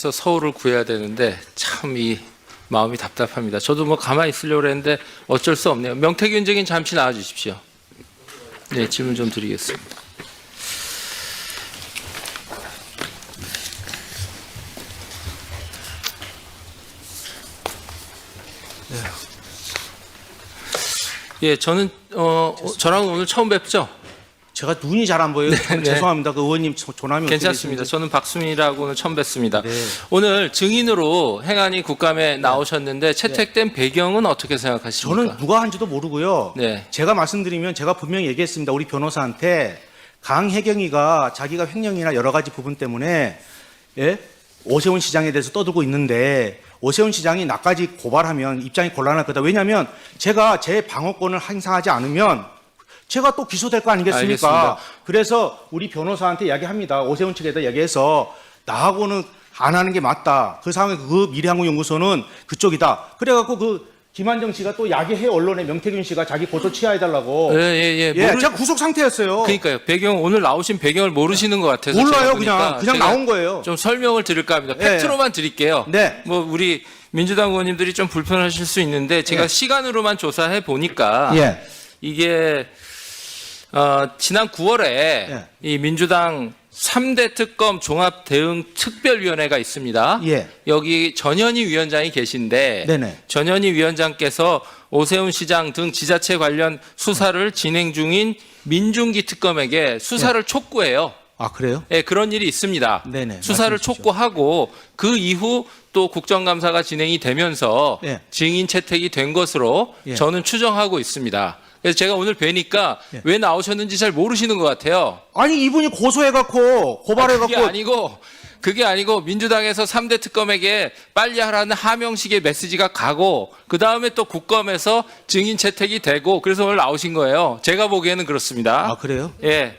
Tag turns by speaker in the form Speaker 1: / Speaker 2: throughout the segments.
Speaker 1: 서울을 구해야 되는데 참 이 마음이 답답합니다. 저도 뭐 가만히 있으려고 했는데 어쩔 수 없네요. 명태균 증인 잠시 나와 주십시오. 네, 질문 좀 드리겠습니다. 예, 저는 저랑 오늘 처음 뵙죠?
Speaker 2: 제가 눈이 잘 안 보여요.
Speaker 1: 네.
Speaker 2: 죄송합니다. 그 의원님 조남이
Speaker 1: 괜찮습니다. 저는 박수민이라고는 처음 뵙습니다.
Speaker 2: 네.
Speaker 1: 오늘 증인으로 행안위 국감에 나오셨는데 채택된 배경은 어떻게 생각하십니까?
Speaker 2: 저는 누가 한지도 모르고요.
Speaker 1: 네.
Speaker 2: 제가 말씀드리면 제가 분명히 얘기했습니다. 우리 변호사한테 강혜경이가 자기가 횡령이나 여러 가지 부분 때문에 오세훈 시장에 대해서 떠들고 있는데 오세훈 시장이 나까지 고발하면 입장이 곤란할 거다. 왜냐하면 제가 제 방어권을 행사하지 않으면 제가 또 기소될 거 아니겠습니까?
Speaker 1: 알겠습니다.
Speaker 2: 그래서 우리 변호사한테 이야기합니다. 오세훈 측에다 얘기해서 나하고는 안 하는 게 맞다. 그 상황에 그 미래항공연구소는 그쪽이다. 그래갖고 그 김한정 씨가 또 야기해 언론에 명태균 씨가 자기 고소 취하해달라고.
Speaker 1: 예.
Speaker 2: 제가 구속 상태였어요.
Speaker 1: 그러니까요. 배경 오늘 나오신 배경을 모르시는 것 같아서
Speaker 2: 몰라요.
Speaker 1: 제가
Speaker 2: 그냥 나온 거예요.
Speaker 1: 좀 설명을 드릴까 합니다.
Speaker 2: 예.
Speaker 1: 팩트로만 드릴게요.
Speaker 2: 네.
Speaker 1: 뭐 우리 민주당 의원님들이 좀 불편하실 수 있는데 제가
Speaker 2: 예.
Speaker 1: 시간으로만 조사해 보니까
Speaker 2: 예.
Speaker 1: 이게 지난 9월에
Speaker 2: 예.
Speaker 1: 이 민주당 3대 특검 종합대응특별위원회가 있습니다.
Speaker 2: 예.
Speaker 1: 여기 전현희 위원장이 계신데
Speaker 2: 네네.
Speaker 1: 전현희 위원장께서 오세훈 시장 등 지자체 관련 수사를 진행 중인 민중기 특검에게 수사를 촉구해요.
Speaker 2: 아, 그래요?
Speaker 1: 예, 그런 일이 있습니다.
Speaker 2: 네네,
Speaker 1: 수사를
Speaker 2: 말씀해 주십시오.
Speaker 1: 촉구하고 그 이후 또 국정감사가 진행이 되면서
Speaker 2: 예.
Speaker 1: 증인 채택이 된 것으로
Speaker 2: 예.
Speaker 1: 저는 추정하고 있습니다. 그래서 제가 오늘 뵈니까
Speaker 2: 예.
Speaker 1: 왜 나오셨는지 잘 모르시는 것 같아요.
Speaker 2: 아니, 이분이 고소해갖고, 고발해갖고.
Speaker 1: 그게 아니고 민주당에서 3대 특검에게 빨리 하라는 하명식의 메시지가 가고 그 다음에 또 국감에서 증인 채택이 되고 그래서 오늘 나오신 거예요. 제가 보기에는 그렇습니다.
Speaker 2: 아, 그래요?
Speaker 1: 예.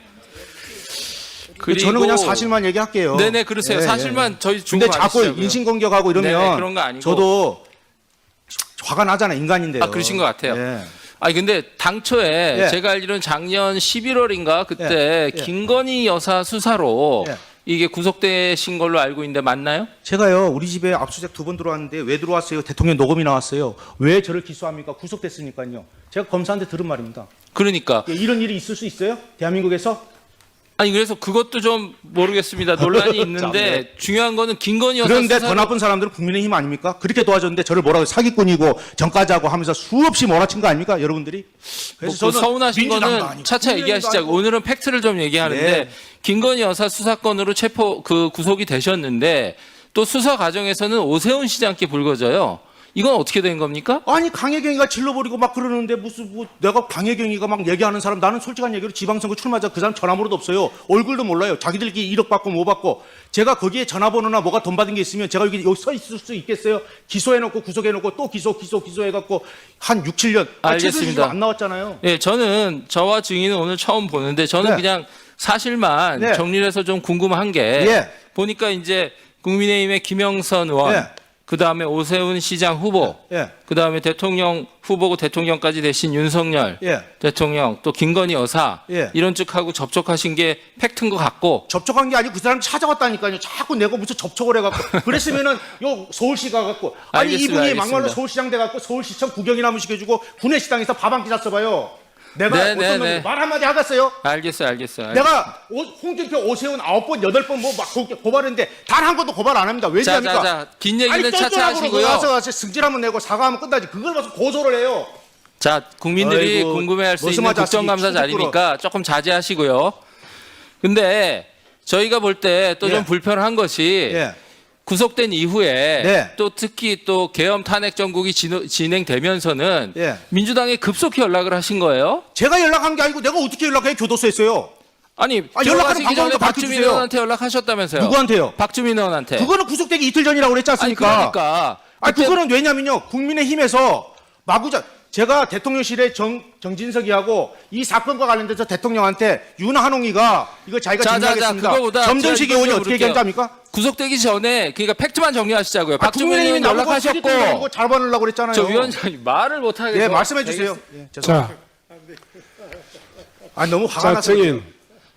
Speaker 2: 저는 그냥 사실만 얘기할게요.
Speaker 1: 네네, 그러세요. 사실만 저희 주고
Speaker 2: 근데 자꾸
Speaker 1: 가시자고요.
Speaker 2: 인신공격하고 이러면
Speaker 1: 네네, 그런 거 아니고.
Speaker 2: 저도 화가 나잖아요. 인간인데요.
Speaker 1: 아, 그러신 것 같아요.
Speaker 2: 예.
Speaker 1: 아니 근데 당초에
Speaker 2: 예.
Speaker 1: 제가 알기로는 작년 11월인가 그때
Speaker 2: 예.
Speaker 1: 김건희 여사 수사로
Speaker 2: 예.
Speaker 1: 이게 구속되신 걸로 알고 있는데 맞나요?
Speaker 2: 제가요, 우리 집에 압수수색 2번 들어왔는데 왜 들어왔어요? 대통령 녹음이 나왔어요. 왜 저를 기소합니까? 구속됐으니까요. 제가 검사한테 들은 말입니다.
Speaker 1: 그러니까
Speaker 2: 예, 이런 일이 있을 수 있어요? 대한민국에서?
Speaker 1: 아니 그래서 그것도 좀 모르겠습니다. 논란이 있는데 중요한 거는 김건희 여사
Speaker 2: 그런데
Speaker 1: 수사로
Speaker 2: 더 나쁜 사람들은 국민의힘 아닙니까? 그렇게 도와줬는데 저를 뭐라고 사기꾼이고 전과자고 하면서 수없이 몰아친 거 아닙니까? 여러분들이?
Speaker 1: 뭐 그 서운하신
Speaker 2: 민주당도
Speaker 1: 거는
Speaker 2: 아니고
Speaker 1: 차차
Speaker 2: 국민의힘도
Speaker 1: 얘기하시자고.
Speaker 2: 아니고.
Speaker 1: 오늘은 팩트를 좀 얘기하는데
Speaker 2: 네.
Speaker 1: 김건희 여사 수사건으로 구속이 되셨는데 또 수사 과정에서는 오세훈 시장께 불거져요. 이건 어떻게 된 겁니까?
Speaker 2: 아니, 강혜경이가 질러버리고 막 그러는데 무슨 내가 강혜경이가 막 얘기하는 사람, 나는 솔직한 얘기로 지방선거 출마자 그 사람 전화번호도 없어요. 얼굴도 몰라요. 자기들끼리 1억 받고 뭐 받고. 제가 거기에 전화번호나 뭐가 돈 받은 게 있으면 제가 여기 서 있을 수 있겠어요? 기소해놓고 구속해놓고 또 기소해갖고 한 6, 7년.
Speaker 1: 알겠습니다.
Speaker 2: 안 나왔잖아요.
Speaker 1: 예, 저는 저와 증인은 오늘 처음 보는데 저는
Speaker 2: 네.
Speaker 1: 그냥 사실만
Speaker 2: 네.
Speaker 1: 정리를 해서 좀 궁금한 게
Speaker 2: 예.
Speaker 1: 보니까 이제 국민의힘의 김영선 의원
Speaker 2: 예.
Speaker 1: 그다음에 오세훈 시장 후보
Speaker 2: 예.
Speaker 1: 그다음에 대통령 후보고 대통령까지 되신 윤석열
Speaker 2: 예.
Speaker 1: 대통령 또 김건희 여사
Speaker 2: 예.
Speaker 1: 이런 쪽하고 접촉하신 게 팩트인 것 같고
Speaker 2: 접촉한 게 아니고 그 사람 찾아왔다니까요. 자꾸 내가 무슨 접촉을 해갖고. 그랬으면은 요 서울시 가갖고. 아니,
Speaker 1: 알겠습니다,
Speaker 2: 이분이
Speaker 1: 알겠습니다.
Speaker 2: 막말로 서울시장 돼갖고 서울시청 구경이나 한번 시켜주고 구내식당에서 밥 한 끼 샀어봐요. 내가
Speaker 1: 네,
Speaker 2: 어떤
Speaker 1: 네,
Speaker 2: 놈이
Speaker 1: 네.
Speaker 2: 말 한마디 하겠어요?
Speaker 1: 알겠어요.
Speaker 2: 내가 홍준표, 오세훈 9번, 8번 뭐 막 고발했는데 단 한 번도 고발 안 합니다. 왜지 합니까?
Speaker 1: 자, 긴 얘기는 차차
Speaker 2: 똘똘하고
Speaker 1: 하시고요.
Speaker 2: 와서 승질 한번 내고 사과하면 끝나지. 그걸 봐서 고소를 해요.
Speaker 1: 자, 국민들이
Speaker 2: 아이고,
Speaker 1: 궁금해할 수 있는
Speaker 2: 머슴아 자식이
Speaker 1: 국정감사
Speaker 2: 충격으로.
Speaker 1: 자리니까 조금 자제하시고요. 근데 저희가 볼 때 또 좀
Speaker 2: 예.
Speaker 1: 불편한 것이
Speaker 2: 예.
Speaker 1: 구속된 이후에
Speaker 2: 네.
Speaker 1: 또 특히 또 계엄 탄핵 정국이 진행되면서는
Speaker 2: 예.
Speaker 1: 민주당에 급속히 연락을 하신 거예요?
Speaker 2: 제가 연락한 게 아니고 내가 어떻게 연락해? 교도소에 했어요.
Speaker 1: 아니,
Speaker 2: 연락하는
Speaker 1: 들어가시기 전에
Speaker 2: 방법도
Speaker 1: 박주민
Speaker 2: 밝혀주세요.
Speaker 1: 의원한테 연락하셨다면서요?
Speaker 2: 누구한테요?
Speaker 1: 박주민 의원한테.
Speaker 2: 그거는 구속되기 이틀 전이라고 그랬지
Speaker 1: 아니,
Speaker 2: 않습니까?
Speaker 1: 그러니까.
Speaker 2: 아니,
Speaker 1: 그때
Speaker 2: 그거는 왜냐면요. 국민의힘에서 마구자, 제가 대통령실에 정진석이하고 이 사건과 관련돼서 대통령한테 윤한홍이가 이거 자기가
Speaker 1: 자,
Speaker 2: 정리하겠습니다.
Speaker 1: 그거보다
Speaker 2: 점전식
Speaker 1: 제가
Speaker 2: 의원이
Speaker 1: 이거
Speaker 2: 어떻게
Speaker 1: 물을게요.
Speaker 2: 얘기한지 압니까?
Speaker 1: 구속되기 전에 그러니까 팩트만 정리하시자고요. 박주민
Speaker 2: 국민의힘이
Speaker 1: 의원
Speaker 2: 나보고
Speaker 1: 연락하셨고
Speaker 2: 잘 받으려고 그랬잖아요.
Speaker 1: 저 위원장이 말을 못 하겠어요.
Speaker 2: 예, 말씀해 주세요. 예, 죄송합니다.
Speaker 3: 자,
Speaker 2: 너무 화가 나서.
Speaker 3: 증인.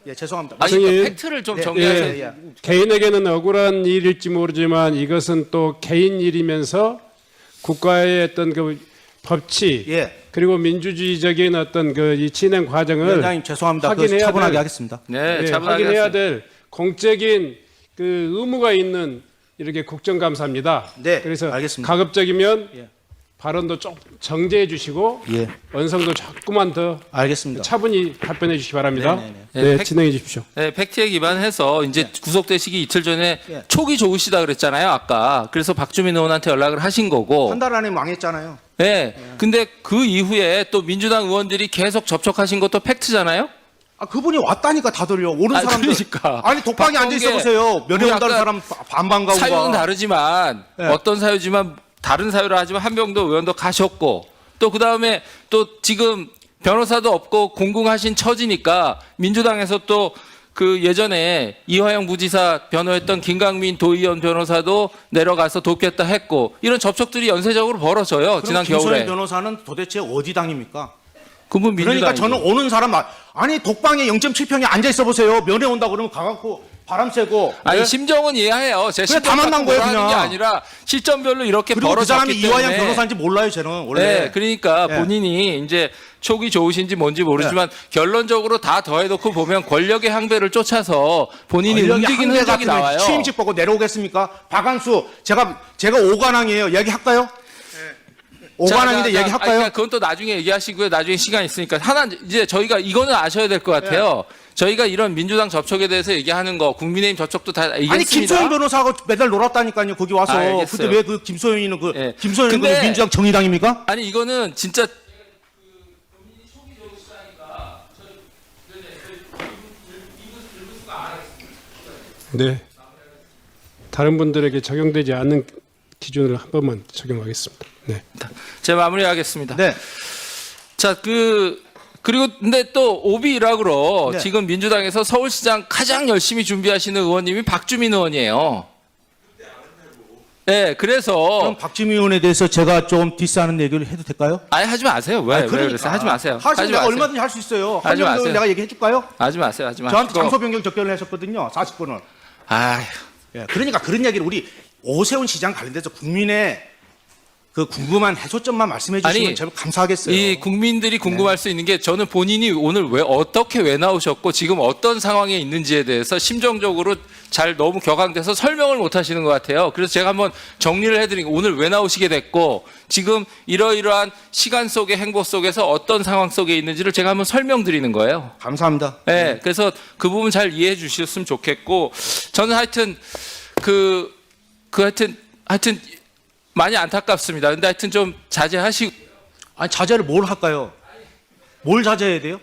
Speaker 2: 예, 죄송합니다.
Speaker 1: 아니,
Speaker 3: 선생님.
Speaker 1: 팩트를 좀
Speaker 2: 네,
Speaker 1: 정리하세요.
Speaker 2: 예, 예.
Speaker 3: 개인에게는 억울한 일일지 모르지만 이것은 또 개인 일이면서 국가의 어떤 그 법치
Speaker 2: 예.
Speaker 3: 그리고 민주주의적인 어떤 그 이 진행 과정을
Speaker 2: 위원장님 죄송합니다. 그
Speaker 3: 확인해야
Speaker 2: 차분하게
Speaker 3: 될-
Speaker 2: 하겠습니다.
Speaker 1: 네,
Speaker 3: 예,
Speaker 1: 차분하게
Speaker 3: 확인해야
Speaker 1: 하세요.
Speaker 3: 될 공적인 그 의무가 있는 이렇게 국정감사입니다.
Speaker 2: 네,
Speaker 3: 그래서
Speaker 2: 알겠습니다.
Speaker 3: 가급적이면
Speaker 2: 예.
Speaker 3: 발언도 좀 정제해 주시고
Speaker 2: 예.
Speaker 3: 원성도 조금만 더
Speaker 2: 알겠습니다.
Speaker 3: 차분히 답변해 주시기 바랍니다.
Speaker 2: 네네네.
Speaker 3: 네,
Speaker 1: 네, 팩-
Speaker 3: 진행해 주십시오.
Speaker 1: 네, 팩트에 기반해서 이제 구속되시기 이틀 전에
Speaker 2: 예.
Speaker 1: 촉이 좋으시다 그랬잖아요, 아까. 그래서 박주민 의원한테 연락을 하신 거고.
Speaker 2: 한 달 안에 망했잖아요.
Speaker 1: 네. 근데 그 이후에 또 민주당 의원들이 계속 접촉하신 것도 팩트잖아요?
Speaker 2: 아, 그분이 왔다니까 다들요. 오는
Speaker 1: 아니,
Speaker 2: 사람들.
Speaker 1: 그러니까.
Speaker 2: 아니, 독방에 앉아 있어
Speaker 1: 박범계
Speaker 2: 보세요. 면회
Speaker 1: 우리
Speaker 2: 온다는
Speaker 1: 아까
Speaker 2: 사람 반반 가고.
Speaker 1: 사유는 다르지만
Speaker 2: 네.
Speaker 1: 어떤 사유지만 다른 사유라 하지만 한병도 의원도 가셨고 또 그다음에 또 지금 변호사도 없고 공공하신 처지니까 민주당에서 또 그 예전에 이화영 부지사 변호했던 김강민 도의원 변호사도 내려가서 돕겠다 했고 이런 접촉들이 연쇄적으로 벌어져요. 지난
Speaker 2: 김소연
Speaker 1: 겨울에.
Speaker 2: 변호사는 도대체 어디 당입니까?
Speaker 1: 그분
Speaker 2: 그러니까
Speaker 1: 민주당이죠.
Speaker 2: 저는 오는 사람 아니 독방에 0.7평에 앉아 있어 보세요. 면회 온다 그러면 가갖고 바람 쐬고.
Speaker 1: 아니
Speaker 2: 예?
Speaker 1: 심정은 이해해요. 제
Speaker 2: 그냥 다
Speaker 1: 심정
Speaker 2: 만난
Speaker 1: 갖고
Speaker 2: 거예요,
Speaker 1: 뭐라 하는 게
Speaker 2: 그냥.
Speaker 1: 아니라 시점별로 이렇게
Speaker 2: 그리고 그 사람이
Speaker 1: 벌어졌기
Speaker 2: 이화영
Speaker 1: 때문에.
Speaker 2: 변호사인지 몰라요, 저는 원래.
Speaker 1: 네, 그러니까
Speaker 2: 예.
Speaker 1: 본인이 이제 촉이 좋으신지 뭔지 모르지만 결론적으로 다 더해놓고 보면 권력의 항배를 쫓아서 본인이
Speaker 2: 권력의
Speaker 1: 움직이는
Speaker 2: 한계
Speaker 1: 흔적이
Speaker 2: 같으면
Speaker 1: 나와요.
Speaker 2: 취임식 보고 내려오겠습니까? 박한수 제가 오관왕이에요. 얘기할까요? 오관왕인데
Speaker 1: 자,
Speaker 2: 얘기할까요?
Speaker 1: 그러니까 그건 또 나중에 얘기하시고요. 나중에 시간 있으니까 하나 이제 저희가 이거는 아셔야 될 것 같아요. 저희가 이런 민주당 접촉에 대해서 얘기하는 거, 국민의힘 접촉도 다 얘기했습니다.
Speaker 2: 아니 김소연 변호사하고 매달 놀았다니까요. 거기 와서.
Speaker 1: 알겠어요.
Speaker 2: 근데 왜 그 김소연이는
Speaker 1: 예.
Speaker 2: 김소연은 그
Speaker 1: 근데-
Speaker 2: 민주당 정의당입니까?
Speaker 1: 아니 이거는 진짜
Speaker 3: 네. 다른 분들에게 적용되지 않는 기준을 한 번만 적용하겠습니다. 네.
Speaker 1: 제가 마무리하겠습니다.
Speaker 2: 네.
Speaker 1: 자, 그리고 근데 또 오비 일학으로
Speaker 2: 네.
Speaker 1: 지금 민주당에서 서울시장 가장 열심히 준비하시는 의원님이 박주민 의원이에요. 네, 그래서
Speaker 2: 그럼 박지민 의원에 대해서 제가 좀 디스하는 얘기를 해도 될까요?
Speaker 1: 아예 하지 마세요. 왜?
Speaker 2: 아니,
Speaker 1: 왜
Speaker 2: 그러니까.
Speaker 1: 그러세요? 하지 마세요.
Speaker 2: 하시면
Speaker 1: 하지
Speaker 2: 내가
Speaker 1: 마세요.
Speaker 2: 얼마든지 할 수 있어요.
Speaker 1: 하지
Speaker 2: 한정도
Speaker 1: 마세요.
Speaker 2: 내가 얘기해 줄까요?
Speaker 1: 하지 마세요. 하지 마세요.
Speaker 2: 저한테 장소 변경 접견을 하셨거든요. 40분을.
Speaker 1: 아휴.
Speaker 2: 예, 그러니까 그런 얘기를 우리 오세훈 시장 관련돼서 국민의 그 궁금한 해소점만 말씀해 주시면
Speaker 1: 아니,
Speaker 2: 제가 감사하겠어요.
Speaker 1: 이 국민들이 궁금할 수 있는 게 저는 본인이 오늘 왜 나오셨고 지금 어떤 상황에 있는지에 대해서 심정적으로 잘 너무 격앙돼서 설명을 못 하시는 것 같아요. 그래서 제가 한번 정리를 해드리고 오늘 왜 나오시게 됐고 지금 이러이러한 시간 속의 행보 속에서 어떤 상황 속에 있는지를 제가 한번 설명드리는 거예요.
Speaker 2: 감사합니다.
Speaker 1: 네, 그래서 그 부분 잘 이해해 주셨으면 좋겠고 저는 하여튼 하여튼 많이 안타깝습니다. 근데 하여튼 좀 자제하시고
Speaker 2: 아니 자제를 뭘 할까요? 뭘 자제해야 돼요?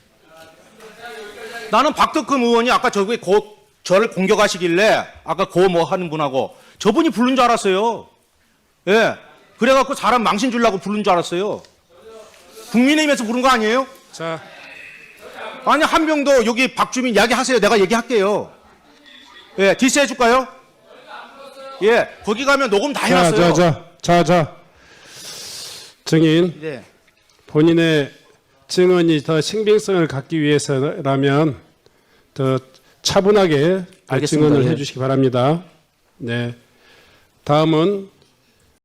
Speaker 2: 나는 박덕흠 의원이 아까 저기 저를 공격하시길래 아까 뭐 하는 분하고 저분이 부른 줄 알았어요. 예. 그래갖고 사람 망신 주려고 부른 줄 알았어요. 국민의힘에서 부른 거 아니에요?
Speaker 3: 자,
Speaker 2: 아니 한명도 여기 박주민 이야기하세요. 내가 얘기할게요. 예, 디스 해줄까요? 예, 거기 가면 녹음 다 해놨어요.
Speaker 3: 자. 증인,
Speaker 2: 네.
Speaker 3: 본인의 증언이 더 신빙성을 갖기 위해서라면 더 차분하게
Speaker 2: 알겠습니다.
Speaker 3: 증언을
Speaker 2: 예.
Speaker 3: 해주시기 바랍니다. 네. 다음은